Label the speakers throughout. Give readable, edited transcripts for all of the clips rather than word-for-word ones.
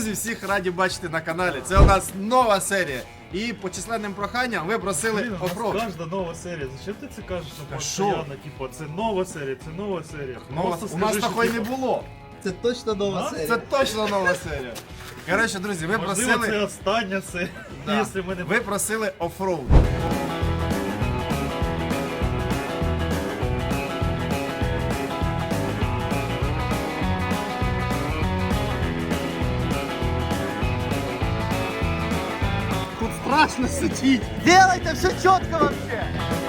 Speaker 1: Друзі, всіх раді бачити на каналі. Це у нас нова серія. І по численним проханням ви просили оффроуд.
Speaker 2: Кожна нова серія. Зачем ти це кажеш
Speaker 1: Та
Speaker 2: постійно? Типу, це нова серія, це нова серія.
Speaker 1: У нас такої не було.
Speaker 3: Це точно нова серія.
Speaker 1: Це точно нова серія. Коротше, друзі, ви
Speaker 2: Можливо, це
Speaker 1: просили.
Speaker 2: остання серія,
Speaker 1: Да.
Speaker 2: якщо ми не...
Speaker 1: Ви просили оффроуд. Тут страшно сидіть.
Speaker 3: Делайте все чітко вообще.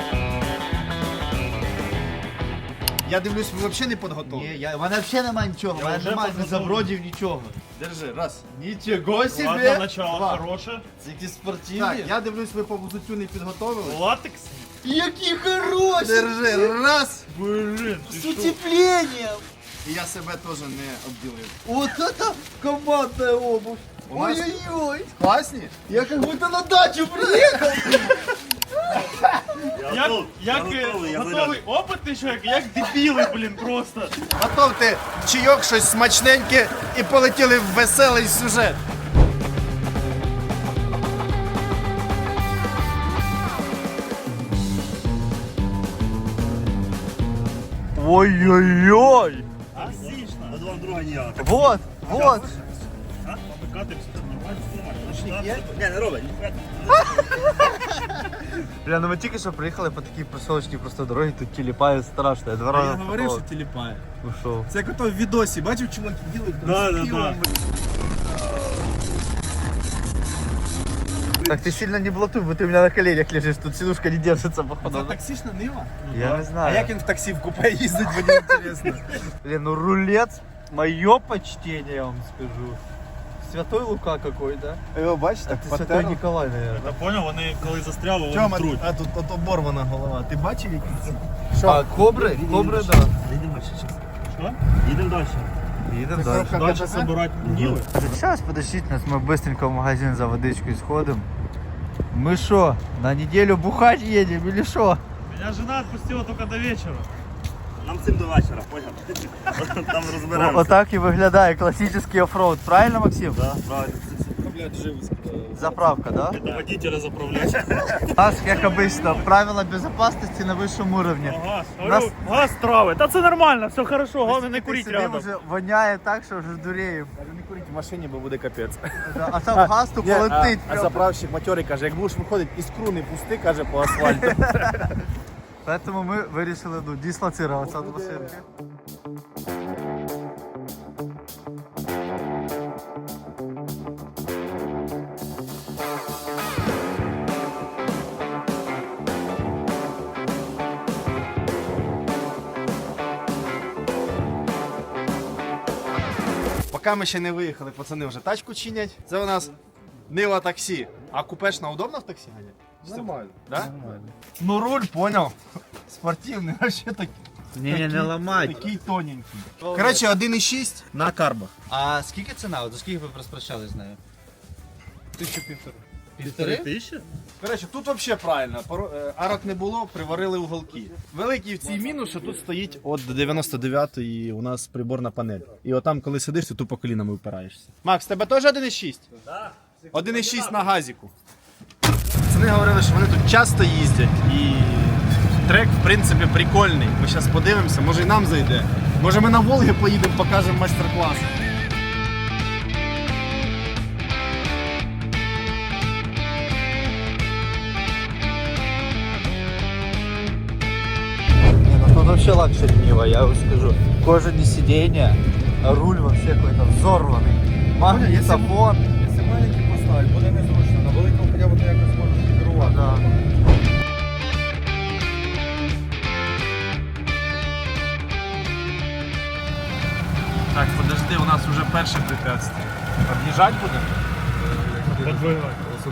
Speaker 1: Я дивлюсь, ви взагалі не підготовлені.
Speaker 3: Ні, у мене взагалі немає нічого, у мене
Speaker 2: вже
Speaker 3: немає
Speaker 2: підготовлений.
Speaker 3: забродів, нічого.
Speaker 1: Держи, раз. Нічого собі.
Speaker 2: Ладно, начало
Speaker 1: Два.
Speaker 2: хороше.
Speaker 3: Це якісь спортивні.
Speaker 1: Так, я дивлюсь, ви по взуттю не підготовили.
Speaker 2: Латекс?
Speaker 3: Які хороші!
Speaker 1: Держи, раз.
Speaker 2: Блин, ти
Speaker 3: З
Speaker 2: що?
Speaker 3: утеплением!
Speaker 1: І я себе теж не обділив.
Speaker 3: Вот это командная обувь!
Speaker 1: У нас-
Speaker 3: Ой-ой-ой!
Speaker 1: Класні?
Speaker 3: Я как будто на дачу приехал!
Speaker 2: Як готовий опит, ти що, як дебіли, блін, просто.
Speaker 1: Готовте чайок, щось смачненьке і полетіли в веселий сюжет.
Speaker 3: Ой-ой-ой!
Speaker 2: Отлично. Два друга ніяк.
Speaker 3: Вот, вот!
Speaker 2: Покатимося, це нормально.
Speaker 4: Не, не робить.
Speaker 3: Бля, ну ми тільки що приїхали по такій просолочній просто дорогі, тут тіліпає страшно. Я два рази впав.
Speaker 1: тіліпає.
Speaker 3: Ушов.
Speaker 1: Це як ото в відосі, бачив, чуваки ділить
Speaker 2: Да.
Speaker 3: Так ты сильно не блатуй, бо ты у меня на коленях лежишь, тут сидушка не держится, походу.
Speaker 1: Таксична нива?
Speaker 3: Я не знаю.
Speaker 1: А як він в таксі в купе їздить, мені інтересно.
Speaker 3: Блин, ну рулет, мое почтение, я вам скажу. Святой Лука какой, да?
Speaker 1: Його бачите,
Speaker 3: А ты Святой Николай, наверное.
Speaker 2: Я понял, вони коли застряли, вони
Speaker 1: Тьома,
Speaker 2: труть.
Speaker 1: а тут от оборвана голова. Ти бачив які?
Speaker 3: А, кобры? Кобры, да.
Speaker 4: Їдемо далі зараз.
Speaker 2: Що?
Speaker 4: Їдемо далі.
Speaker 3: Едем дальше.
Speaker 2: Дальше собирати ніли.
Speaker 3: Сейчас, подождите нас, мы быстренько в магазин за водичкой сходим. Мы шо, на неделю бухать едем или шо?
Speaker 2: Меня жена отпустила только до вечера.
Speaker 4: Нам цим до вечора, поняв? Там розберемося.
Speaker 3: Отак і виглядає классический оффроуд, правильно, Максим?
Speaker 4: Да, правильно.
Speaker 3: Заправка, да?
Speaker 2: Это водителя заправлять.
Speaker 3: У нас, как обычно, правила безопасности на высшем уровне.
Speaker 2: Газ.
Speaker 3: Нас-
Speaker 2: Газ трави. Та це нормально, все хорошо, головне не куріть
Speaker 3: Сидим,
Speaker 2: рядом.
Speaker 3: вже воняє так, що вже дуреємо.
Speaker 1: Не куріть в машині, бо буде капець.
Speaker 3: А там газ то полетить.
Speaker 1: А заправщик матьорий каже, як будеш виходити, іскру не пусти, каже, по асфальту.
Speaker 3: Поэтому мы вирішили дислоцироваться від машинки.
Speaker 1: Поки ми ще не виїхали, пацани вже тачку чинять. Це у нас Нива таксі. А купешна удобно в таксі ганяти? Нормально. Да? Нормально. Ну руль, понял. Спортивний, вообще такий.
Speaker 3: Не ламай.
Speaker 1: Такий тоненький. Коротше, 1,6 на карбах.
Speaker 3: А скільки ціна? От за скільки ви розпрощались з нею?
Speaker 1: 1500.
Speaker 3: Півтори?
Speaker 2: Тисяча?
Speaker 1: Коротше, тут взагалі правильно. Арок не було, приварили уголки. Великий в цій мінус, що тут стоїть от 99-ї у нас приборна панель. І отам, коли сидиш, ти тупо колінами впираєшся. Макс, тебе теж 1,6? Так. 1,6 на газіку. Вони говорили, що вони тут часто їздять і трек, в принципі, прикольний. Ми зараз подивимося, може і нам зайде. Може ми на Волги поїдемо, покажемо майстер-клас.
Speaker 3: Не, ну тут вообще лакшери Нива, я вам скажу. Кожаные сиденья, руль вообще какой-то взорванный. Магнитофон.
Speaker 1: Якщо маленький поставити, буде незручно. На великому хоча б ти якось можеш керувати.
Speaker 3: Да.
Speaker 1: Так, подожди, у нас вже перше препятствие. Об'їжджати будемо?
Speaker 2: Подвигай.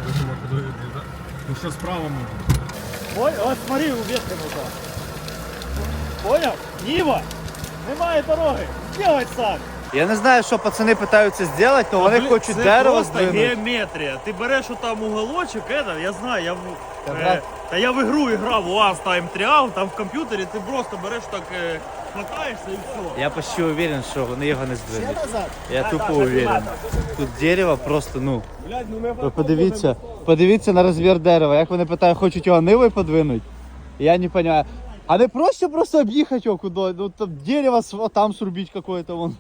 Speaker 1: Ну що справа можна?
Speaker 2: Ой, от смотри, ув'язка. Понял? Нива! Немає дороги. Делай сам.
Speaker 3: Я не знаю, що пацани питаються зробити, але вони хочуть дерево
Speaker 2: просто
Speaker 3: здвинути.
Speaker 2: геометрія. Ти береш отам уголочок, я знаю,
Speaker 3: Та
Speaker 2: я в ігру грав, УАЗ Time Trial, там в комп'ютері ти просто береш так
Speaker 4: хватаєшся і все.
Speaker 3: Я почти уверен, що вони його не здвинуть. Я тупо уверен. Тут дерево просто, ну. Ви подивіться на розмір дерева. Як вони питають, хочуть його нивою подвинути? Я не розумію. А не проще просто об'їхати його куди? Ну там дерево там срубить какое-то вон.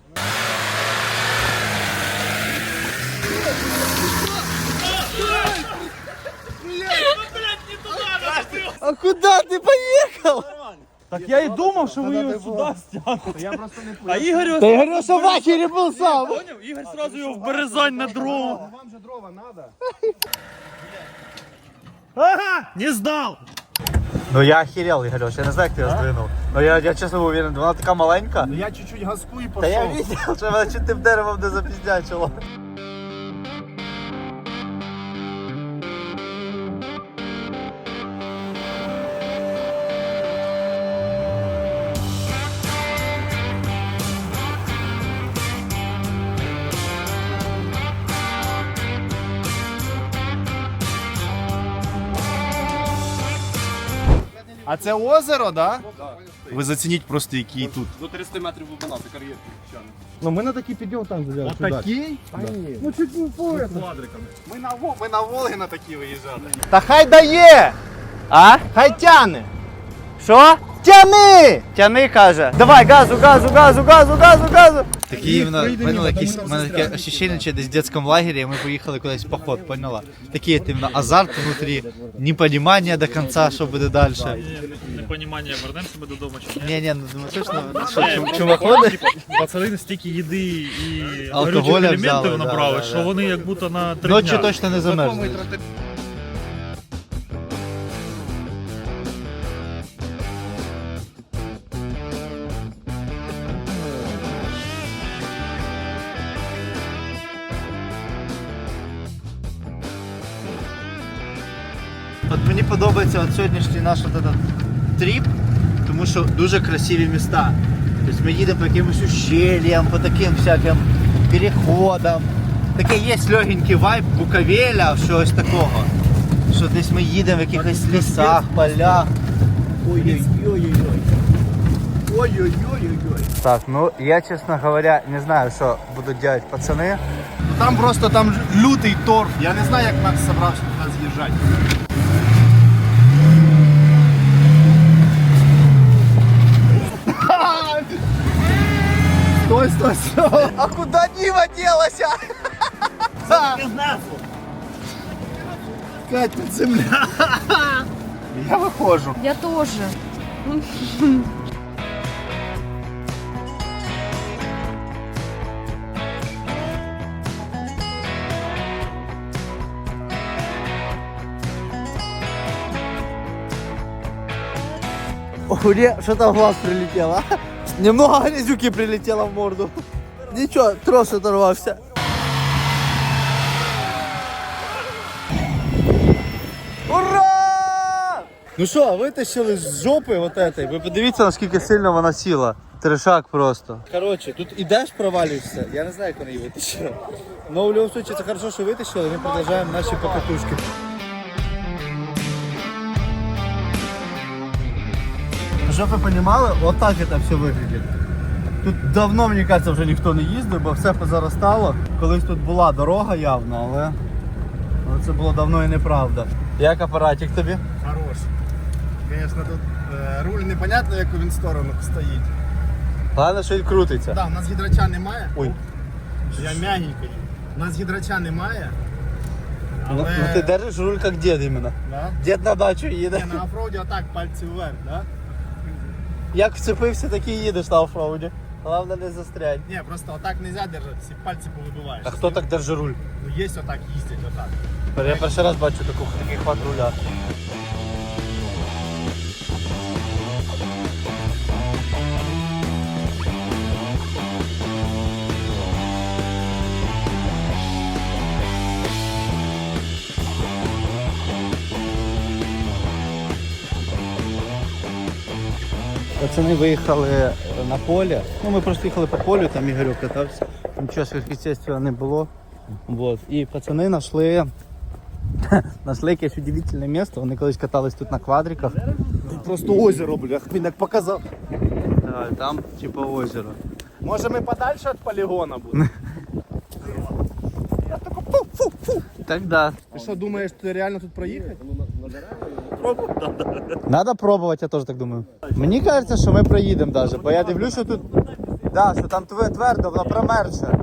Speaker 3: А куда ты поехал?
Speaker 2: Так я і думав, що ви його сюди стягнете.
Speaker 1: Я просто не
Speaker 2: А Ігор його...
Speaker 3: Да я говорю, что в ахере был сам.
Speaker 2: Поняв? Ігор сразу його в березань на дрова.
Speaker 1: Вам же дрова надо.
Speaker 2: Ага, не здав.
Speaker 3: Ну я охерел, Игорёш, я не знаю, як ти його здвинув. Ну я чесно уверен, вона така маленька.
Speaker 1: Ну я чуть-чуть газку і
Speaker 3: Та я
Speaker 1: пошел.
Speaker 3: видел, що вона чуть тим деревом не запіздячила.
Speaker 1: А це озеро, да? Ви зацініть просто, який тут.
Speaker 2: До 300 метрів глибина, це кар'єр.
Speaker 1: Ну ми на такий підйом там взяли. Отакий? Ні. Ну чуть не по квадриками. Ми на Волги на такі виїжджали. Та хай дає!
Speaker 3: А?
Speaker 1: Хай тяне!
Speaker 3: Що? Тяни! Тяни, каже. Давай, газу, газу, газу, газу, газу, газу. Такі в мене таке ощущення, що десь в дитячому лагері, і ми поїхали кудись в поход, поняла? Такий іменно азарт внутрі, непонімання до кінця, що буде далі.
Speaker 2: Непонімання, вернемося ми додому чи ні?
Speaker 3: Ні, ну точно, що чумаходи?
Speaker 2: Пацани настільки їди і
Speaker 3: Алкоголя
Speaker 2: горючих
Speaker 3: взяли,
Speaker 2: елементів
Speaker 3: да,
Speaker 2: набрали,
Speaker 3: да,
Speaker 2: що
Speaker 3: да.
Speaker 2: вони як будто на 3
Speaker 3: Ночі
Speaker 2: дня.
Speaker 3: точно не замерзнуть. От мені подобається от сьогоднішній наш от этот тріп, тому що дуже красиві міста. Тобто ми їдемо по якимось ущельям, по таким всяким переходам. Такий є легенький вайб Буковеля, щось такого. Що десь ми їдемо в якихось лісах, полях. Ой-ой-ой-ой-ой. Ой-ой-ой-ой-ой. Так, ну я, чесно говоря, не знаю, що будуть робити пацани.
Speaker 1: Ну там просто там лютий торф. Я не знаю, як Макс собрався туди з'їжджати. Стой, стой, стой.
Speaker 3: А куда Нива делася?
Speaker 1: Кать, тут земля. Я виходжу.
Speaker 5: Я тоже.
Speaker 3: Мне что-то в глаз прилетело. Немного грязюки прилетело в морду. Ничего, трос оторвался. Ура! Ну що, витащили з жопи вот этой. Ви подивіться, наскільки сильно вона сіла. Трешак просто. Короче, тут ідеш, провалюєшся. Я не знаю, як вони її витащили. Но в будь-якому випадку це хорошо, що витащили. Ми продовжуємо наші покатушки. Щоб ви розуміли, вот так це все виглядить. Тут давно, мені кажется, вже ніхто не їздив, бо все позаростало. Колись тут була дорога явно, але це було давно і неправда. Як апаратик тобі?
Speaker 1: Хорош. Звісно, тут руль непонятно, яку він сторону стоїть.
Speaker 3: Головне, що він крутиться.
Speaker 1: Так, у нас гідрача немає.
Speaker 3: Ой.
Speaker 1: Я м'ягенько їду. У нас гідрача немає.
Speaker 3: Ну,
Speaker 1: Але...
Speaker 3: ну ти держиш руль як дід іменно.
Speaker 1: Да?
Speaker 3: Дід на дачу їде.
Speaker 1: Ні, на офроуді отак пальці вверх, да?
Speaker 3: Як вцепився, так і їдеш на офроуді. Головне не застрянь.
Speaker 1: Ні, просто отак не можна держати, всі пальці повибиваєш.
Speaker 3: А хто так держить руль?
Speaker 1: Ну є отак їздять, отак.
Speaker 3: Я перший раз бачу такий хват руля. Пацани виїхали на поле. Ну, ми просто їхали по полю, там Ігорьок катався. Нічого сверхъестественного не було. Вот. І пацани знайшли якесь удивительне місце. Вони колись катались тут на квадриках. Тут просто озеро, бля, він як показав. Там типа озеро.
Speaker 1: Може ми подальше від полігона будемо?
Speaker 3: Так да.
Speaker 1: Ти що, думаєш, ти реально тут проїхати?
Speaker 3: Надо пробувати, я теж так думаю. Мені кажеться, що ми проїдемо даже, бо я дивлюсь, що тут. Да, що там твердо, воно промерзше.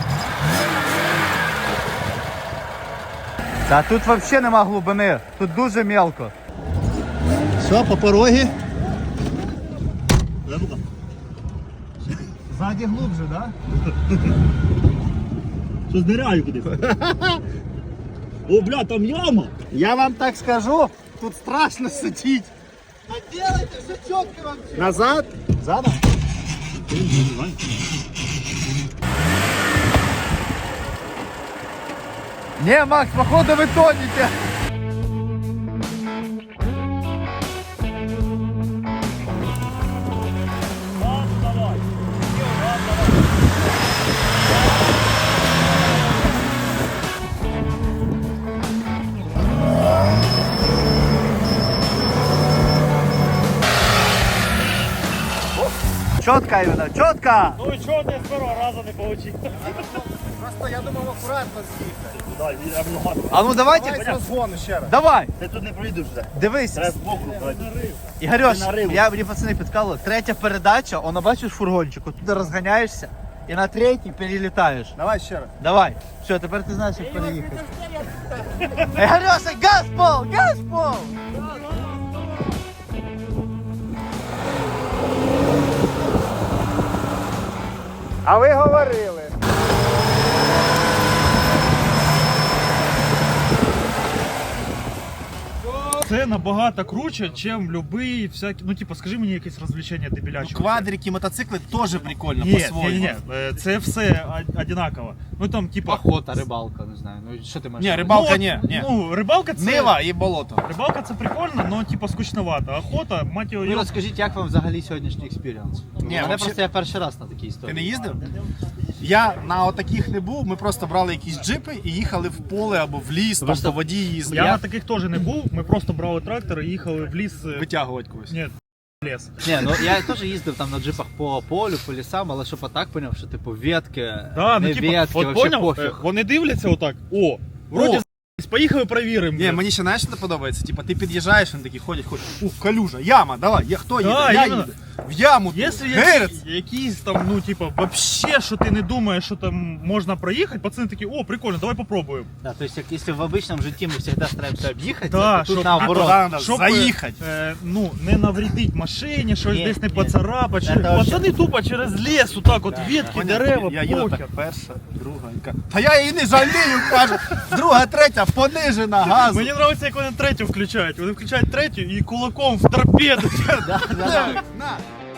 Speaker 3: Та тут взагалі нема глибини, тут дуже мелко. Все, по порогі. Ззаді глубже, да?
Speaker 4: Що зниряю кудись. О, бля, там яма.
Speaker 1: Я вам так скажу, тут страшно сидіть.
Speaker 3: А делайте все чітко вам.
Speaker 1: Назад?
Speaker 3: Задом? Не, Макс, походу вы тонете. Четко именно, четко!
Speaker 2: Ну і чого ти з першого разу не получив?
Speaker 1: Просто я думав акуратно з'їхати.
Speaker 4: Дай, я много.
Speaker 3: А ну давайте,
Speaker 1: Давай з розгону ще раз.
Speaker 3: давай,
Speaker 4: Ти тут не пройдеш вже.
Speaker 3: дивись.
Speaker 4: Треба збоку.
Speaker 3: Ігорьош,
Speaker 4: Ти нарив.
Speaker 3: мені пацани підказали, третя передача, воно бачиш фургончик, от туди розганяєшся і на третій перелітаєш.
Speaker 1: Давай ще раз.
Speaker 3: Давай, все, тепер ти знаєш, як переїхати. Ігорьоша, газ пол, газ пол!
Speaker 1: А ви говорили.
Speaker 2: Це набагато круче, ніж любий всякий. Ну, типу, скажи мені якесь розвлечення дебіляче.
Speaker 1: Квадрики, мотоцикли теж прикольно,
Speaker 2: Ні,
Speaker 1: по-своєму.
Speaker 2: ні, це все одинаково. Ну там, типа.
Speaker 3: Охота, рибалка, не знаю, ну що ти маєш?
Speaker 1: Ні,
Speaker 3: на
Speaker 1: рибалка
Speaker 2: от,
Speaker 1: ні.
Speaker 2: Ну, рибалка це.
Speaker 1: Нива і болото.
Speaker 2: Рибалка це прикольно, але типа скучновато. Охота, мать його.
Speaker 3: Ну розкажіть, як вам взагалі сьогоднішній експіріанс?
Speaker 1: Ні,
Speaker 3: Мене
Speaker 1: вообще-
Speaker 3: просто я перший раз на такій
Speaker 1: Ти
Speaker 3: історії.
Speaker 1: не їздив? Я на отаких не був, ми просто брали якісь джипи і їхали в поле або в ліс, там
Speaker 3: Просто
Speaker 1: по воді їздили.
Speaker 2: Я на таких теж не був. Ми просто брали трактор і їхали в ліс.
Speaker 1: Витягувати когось.
Speaker 2: Ні, ліс.
Speaker 3: Ні, ну я теж їздив там на джипах по полю, по лісам, але щоб отак поняв, що типу ветки,
Speaker 2: Да,
Speaker 3: не
Speaker 2: ну типа,
Speaker 3: ветки,
Speaker 2: от
Speaker 3: вообще
Speaker 2: поняв,
Speaker 3: пофіг.
Speaker 2: вони дивляться отак. О, вроді поїхали перевіримо.
Speaker 1: Ні, мені ще знаєш, що не подобається. Типа ти під'їжджаєш, вони такі ходять. Калюжа, яма, давай, хто їде?
Speaker 2: Да,
Speaker 1: Я
Speaker 2: іменно.
Speaker 1: їду. В яму.
Speaker 2: Якщо
Speaker 1: Герець.
Speaker 2: якісь там, ну типа, вообще, що ти не думаєш, що там можна проїхати, пацани такі, о, прикольно, давай попробуємо.
Speaker 3: Да, то есть, если в обычном житті ми завжди стараємося об'їхати,
Speaker 2: Да,
Speaker 3: то тут
Speaker 2: щоб-
Speaker 3: наоборот.
Speaker 1: А туди надо
Speaker 2: Щоб
Speaker 1: заїхати.
Speaker 2: ну, не навредить машині, щось
Speaker 3: Ні,
Speaker 2: десь не
Speaker 3: ні.
Speaker 2: поцарапати.
Speaker 3: Це вообще-
Speaker 2: Пацани тупо через ліс, отак от ветки,
Speaker 1: Поняв?
Speaker 2: дерева,
Speaker 1: Я їду
Speaker 2: похер.
Speaker 1: так перша, друга. і кажу, та я її не жалію, кажу. Друга, третя, понижена газу.
Speaker 2: Мені подобається, як вони третю включають. Вони включають третю і кулаком в торпеду.
Speaker 3: Да, да, да.
Speaker 1: На.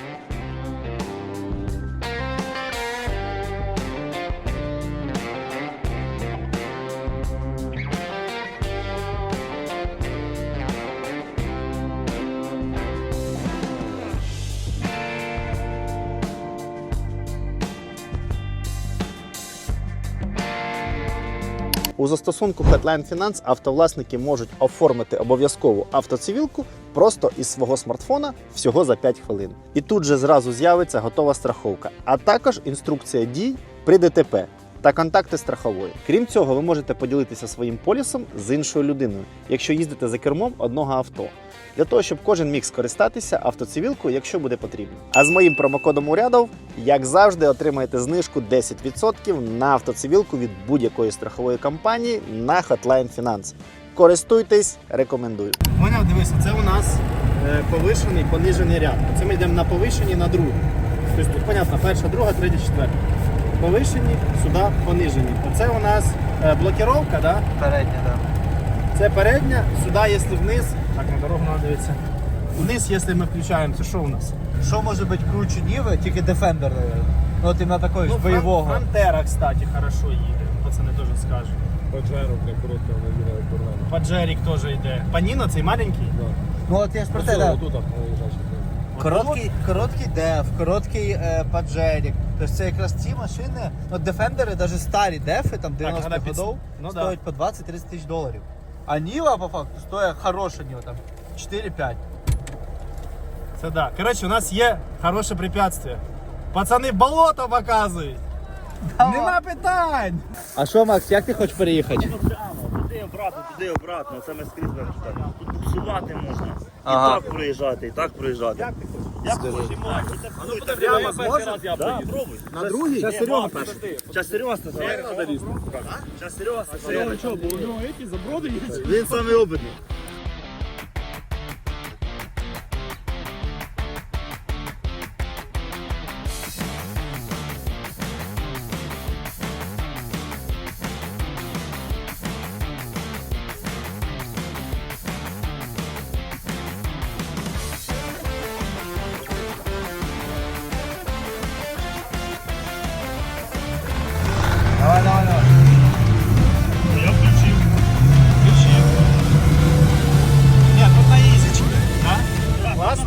Speaker 1: У застосунку Headline Finance автовласники можуть оформити обов'язкову автоцивілку просто із свого смартфона всього за 5 хвилин. І тут же зразу з'явиться готова страховка, а також інструкція дій при ДТП та контакти страхової. Крім цього, ви можете поділитися своїм полісом з іншою людиною, якщо їздите за кермом одного авто. Для того, щоб кожен міг скористатися автоцивілкою, якщо буде потрібно. А з моїм промокодом урядов, як завжди, отримаєте знижку 10% на автоцивілку від будь-якої страхової компанії на Hotline Finance. Користуйтесь, рекомендую. Поняв, дивися, це у нас повишений, понижений ряд. Це ми йдемо на повишені, на другу. Тобто тут, понятно, перша, друга, третя, четверта. Повишені, сюди понижені. Оце у нас блокіровка, да?
Speaker 3: Передня, да.
Speaker 1: Це передня, сюди, якщо вниз, так, на дорогу треба дивитися. Вниз, якщо ми включаємо, це що у нас?
Speaker 3: Що може бути круче Ніви, тільки Defender, наверное. Ну от іменно такої ж бойового.
Speaker 1: Фронтера, кстати, хорошо їде, пацани теж скажуть.
Speaker 5: Паджеро, для короткого не порвано.
Speaker 1: Паджерік теж йде. Паніно цей маленький?
Speaker 3: Ну от я ж про те, да.
Speaker 5: Тут лежачий.
Speaker 3: Короткий деф, короткий паджерік. Тобто це якраз ці машини, ну Defender, навіть старі дефи, там 90-х
Speaker 1: вона під-
Speaker 3: годов,
Speaker 1: ну, да.
Speaker 3: стоять по 20-30 тисяч доларів. А Ніва, по факту, стоїть хороша Ніва, там 4-5.
Speaker 1: Це да. Коротше, у нас є хороше препятствие. Пацани, болото показують. Нема питань.
Speaker 3: А що, Макс, як ти хочеш переїхати?
Speaker 4: Туди обратно, це ми скрізь будемо читати. Тут буксувати можна.
Speaker 3: Ага.
Speaker 4: І так проїжджати, і так проїжджати. Як ти хочеш? Як хочеш, прямо зможеш? Да, пробуй.
Speaker 1: На другий?
Speaker 4: Зараз Серега перший. Зараз Серега стає. Зараз Серега стає.
Speaker 2: Що, бо у нього ці заброди є?
Speaker 4: Він самий обидний.
Speaker 2: Я включив. Включив.
Speaker 1: Ні, тут на ізічки. Класно?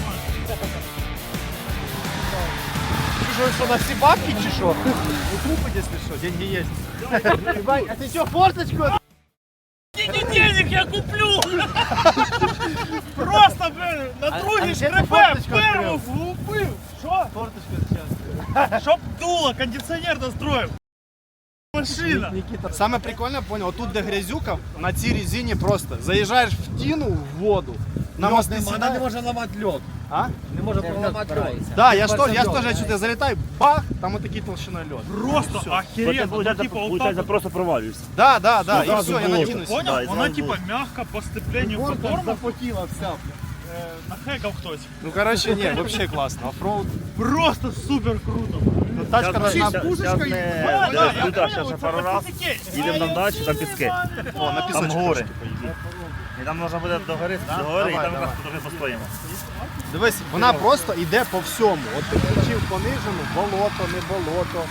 Speaker 1: Що, на всі бабки чи що? Укупить, якщо що, деньги є. А ти що, форточку?
Speaker 2: Денег я куплю! Просто, блин, на другий
Speaker 1: ще ти
Speaker 2: шкребе,
Speaker 1: форточку
Speaker 2: перву
Speaker 1: відкрив?
Speaker 2: влупив. Що?
Speaker 1: Форточку зараз.
Speaker 2: Щоб дуло, кондиціонер настроїв. Машина.
Speaker 1: Никита. Саме прикольне, понял, отут де грязюка, на цій резині просто заїжджаєш в тіну, в воду, на мости сідаєш.
Speaker 5: може ламати льод.
Speaker 1: А?
Speaker 5: Не може проламати льод.
Speaker 1: Да, я ж теж сюди залітаю, бах, там отакий толщиною льод.
Speaker 2: Просто охеренно. Ну, типа, вот так
Speaker 4: Получається,
Speaker 2: вот.
Speaker 4: просто провалюєшся.
Speaker 1: Да, і
Speaker 4: зразу
Speaker 1: все, я
Speaker 4: було.
Speaker 1: накинусь.
Speaker 2: Понял?
Speaker 4: Да, і
Speaker 2: Вона
Speaker 4: зразу
Speaker 2: типа мягко по степлению по тормозу.
Speaker 1: запотіла вся.
Speaker 2: Нахекав хтось.
Speaker 1: Ну короче, ні, вообще класно. Оффроуд.
Speaker 2: Просто супер круто.
Speaker 1: Ну, тачка должна...
Speaker 2: Да, я
Speaker 4: Зараз
Speaker 2: понял,
Speaker 4: ще
Speaker 2: це
Speaker 4: пару раз.
Speaker 2: пацаки.
Speaker 4: Їдемо на дачу, там піски.
Speaker 1: О, на
Speaker 4: Там
Speaker 1: пісочку.
Speaker 4: гори.
Speaker 1: трошки поїдемо.
Speaker 4: І там можна буде до гори, і
Speaker 1: Давай,
Speaker 4: там
Speaker 1: давай.
Speaker 4: якраз трохи постоїмо.
Speaker 1: Дивись, вона просто йде по всьому. От ти включив понижену, болото, не болото.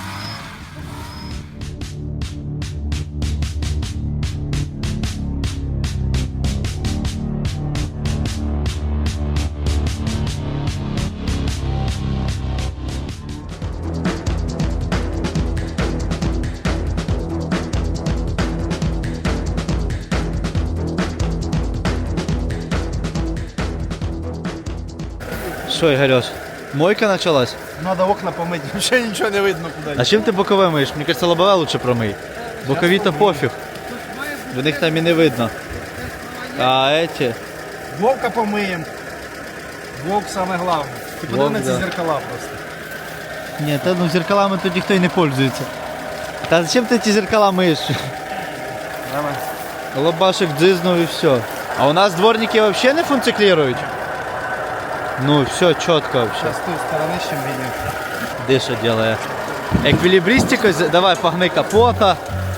Speaker 3: Що, Ігорьош, мойка почалась?
Speaker 1: Надо окна помити, ще нічого не видно куди.
Speaker 3: А чим ти бокове миєш? Мені кажется, лобове лучше промий. Бокові то пофіг. В них там і не видно. А эти?
Speaker 1: Вовка помиємо. Вовк саме головне. Ти подиви
Speaker 3: Вовк,
Speaker 1: на ці
Speaker 3: да.
Speaker 1: зеркала просто.
Speaker 3: Ні, та ну зеркалами тут ніхто і не пользується. Та зачем ти ці зеркала миєш?
Speaker 1: Давай.
Speaker 3: Лобашик дзизнув і все. А у нас дворники взагалі не функціонують? Ну, все чітко вообще.
Speaker 1: Зараз з тої сторони ще видно.
Speaker 3: Де що делає? Еквілібристику, давай погни капота.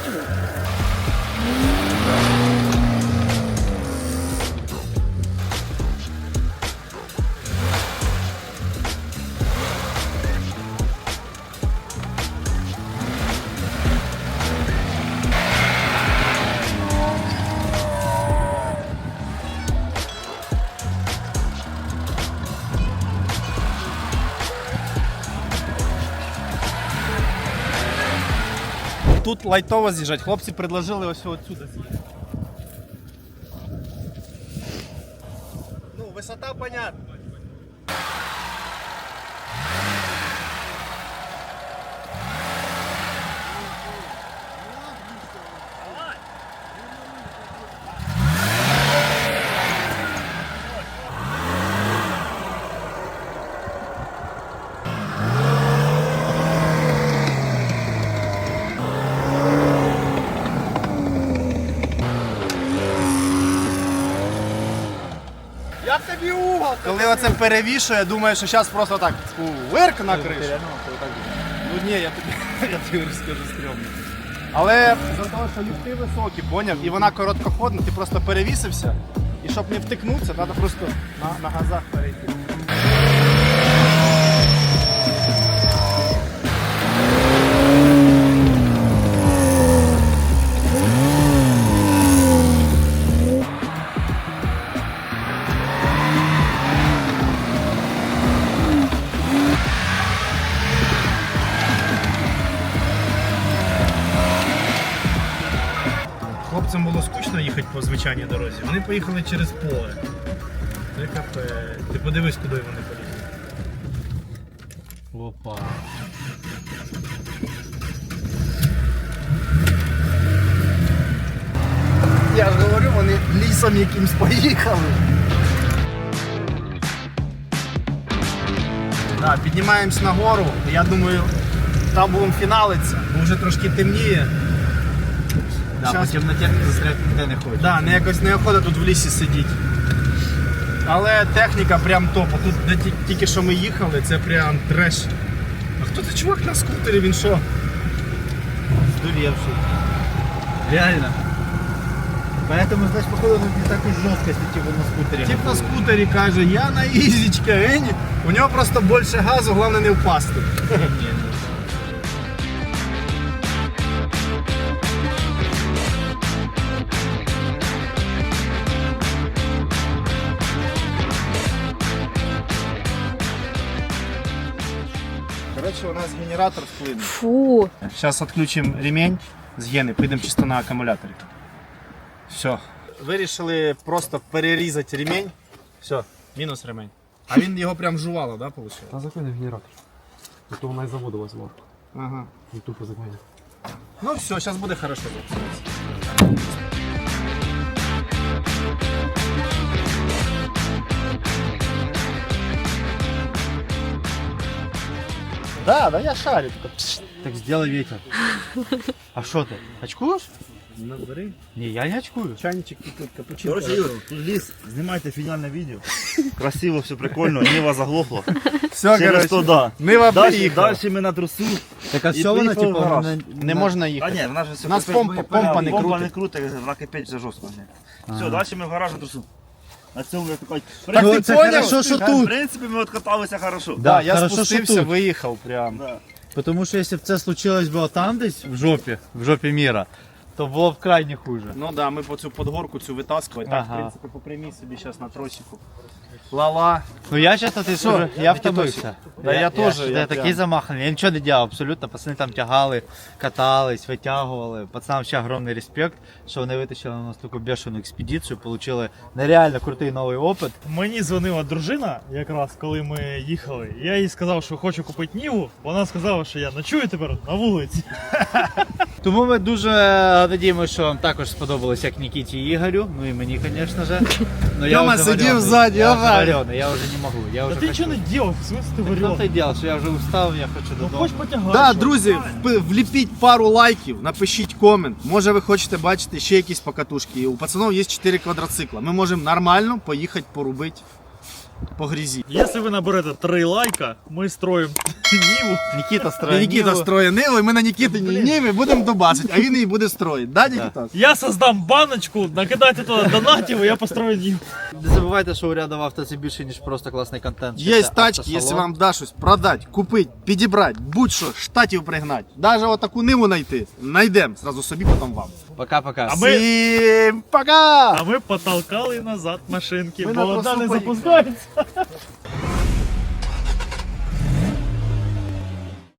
Speaker 1: Тут лайтово з'їжджать. Хлопці предложили ось отсюди з'їхати. Ну, висота понятна. Як тобі угол? Коли оце перевішує, думаю, що зараз просто так вирк на кришу. Ну ні, я тобі розкажу стрьомно. Але за того, що ліфти високі, поняв, і вона короткоходна, ти просто перевісився. І щоб не втикнутися, треба просто на газах перейти. Хлопцям було скучно їхати по звичайній дорозі. Вони поїхали через поле.
Speaker 2: ДКП. Ти подивись, куди вони полізли.
Speaker 5: Опа.
Speaker 1: Я ж говорю, вони лісом якимсь поїхали. Да, піднімаємось нагору. Я думаю, там будемо фіналитися, бо вже трошки темніє.
Speaker 3: Да,
Speaker 1: Щас-
Speaker 3: по темноті застряти ніде не хоче.
Speaker 1: Да, якось неохота тут в лісі сидіти. Але техніка прям топ. А тут, де тільки що ми їхали, це прям треш. А хто це чувак на скутері, він що?
Speaker 3: Здуревший. Реально. Поэтому, значит, походу, он не так уж жестко, если типа на скутере.
Speaker 1: Тип на скутері каже, я на ізічка, у нього просто більше газу, головне не впасти. Коротше, у нас генератор вплинув.
Speaker 6: Фу.
Speaker 1: Зараз відключимо ремень з гени, підемо чисто на акумуляторі. Все. Вирішили просто перерізати ремень. Все, мінус ремень. А він його прям жувало, да, виходить?
Speaker 7: Та закинь в генератор. А то вона із заводу возьму.
Speaker 1: Ага.
Speaker 7: І тупо закинь.
Speaker 1: Ну все, зараз буде хорошо. Да, я шарю.
Speaker 3: Так сделай ветер. А что ты? Очкуешь?
Speaker 1: Набери.
Speaker 3: Не, я не очкую.
Speaker 1: Чайничек тут капучино.
Speaker 4: Короче, Юр, тут ліс, знімайте фінальне відео. Красиво, все прикольно, Нива заглохла.
Speaker 1: Все,
Speaker 4: Через то, да.
Speaker 1: Нива
Speaker 4: Далі,
Speaker 1: приїхала.
Speaker 4: далі ми на трусу.
Speaker 3: Так а
Speaker 4: І
Speaker 3: все воно,
Speaker 4: поїхали
Speaker 3: типа,
Speaker 4: в гараж.
Speaker 1: Не можна
Speaker 4: А
Speaker 1: їхати.
Speaker 4: ні, вона ж все
Speaker 1: У нас помпа не
Speaker 4: помпа
Speaker 1: крутить.
Speaker 4: не крутить, вона кипить вже жорстко. Все, далі ми в гараж на трусу. На цьому я такий.
Speaker 1: Так ти
Speaker 3: це
Speaker 1: поняв?
Speaker 3: хорошо, що
Speaker 4: В
Speaker 3: тут.
Speaker 4: принципі, ми откаталися хорошо.
Speaker 1: Да, я
Speaker 3: хорошо, що
Speaker 1: спустився,
Speaker 3: тут.
Speaker 1: виїхав прям.
Speaker 4: Да.
Speaker 3: Потому что если бы это случилось было там десь, в жопе мира, то было бы крайне хуже.
Speaker 1: Ну да, ми по цю подгорку цю витаскували. Так,
Speaker 3: Ага.
Speaker 1: в принципі, по прямій собі зараз на тросику. Ла-ла.
Speaker 3: Ну я честно, ты скажу, я втомився.
Speaker 1: Да, я теж,
Speaker 3: Я
Speaker 1: я
Speaker 3: такий
Speaker 1: прям.
Speaker 3: замаханий, я нічого не делал абсолютно, пацани там тягали, катались, витягували. Пацанам ще огромний респект, що вони витащили на нас таку бешену експедицію, получили нереально крутий новий опит.
Speaker 2: Мені дзвонила дружина, якраз коли ми їхали. Я їй сказав, що хочу купити Ніву. Вона сказала, що я ночую тепер на вулиці.
Speaker 3: Тому ми дуже надіємося, що вам також сподобалось, як Нікіті і Ігорю, ну і мені, звісно ж. Но я
Speaker 1: Тьома
Speaker 3: вже
Speaker 1: сидів
Speaker 3: варений.
Speaker 1: ззаді,
Speaker 3: я вже
Speaker 1: ага.
Speaker 3: варений, я вже не можу. Я
Speaker 2: Та
Speaker 3: вже
Speaker 2: ти нічого не робив, в смысле ти
Speaker 3: В
Speaker 2: варіант?
Speaker 3: тому-то й діло, що я вже устав, я хочу
Speaker 2: Ну
Speaker 3: додому.
Speaker 2: хоч потягай.
Speaker 1: Да,
Speaker 2: що.
Speaker 1: друзі, вліпіть пару лайків, напишіть комент. Може ви хочете бачити ще якісь покатушки. У пацанов є 4 квадроцикла. Ми можемо нормально поїхати порубити по грязі.
Speaker 2: Якщо ви наберете 3 лайка, ми строїмо Ніву.
Speaker 3: Нікіта
Speaker 1: І
Speaker 3: строє
Speaker 1: Нікіта
Speaker 3: Ніву.
Speaker 1: строє Ниву, і ми на Нікітині Ниві будемо добачити, а він її буде строїти. Да, Нікіта?
Speaker 2: Я создам баночку, накидайте туди донатів, і я построю Ніву.
Speaker 3: Не забувайте, що у рядом авто це більше, ніж просто класний контент.
Speaker 1: Є
Speaker 3: Це
Speaker 1: тачки,
Speaker 3: автосалон.
Speaker 1: якщо вам да щось продати, купити, підібрати, будь-що, штатів пригнати. Навіть отаку Ниву знайти. Найдемо, зразу собі, потім вам.
Speaker 3: Пока-пока.
Speaker 2: А ми-
Speaker 1: Всім пока!
Speaker 2: А ми потолкали назад машинки,
Speaker 1: Ми
Speaker 2: бо
Speaker 1: на
Speaker 2: одна
Speaker 1: трасу
Speaker 2: не
Speaker 1: поїхали.
Speaker 2: запускається.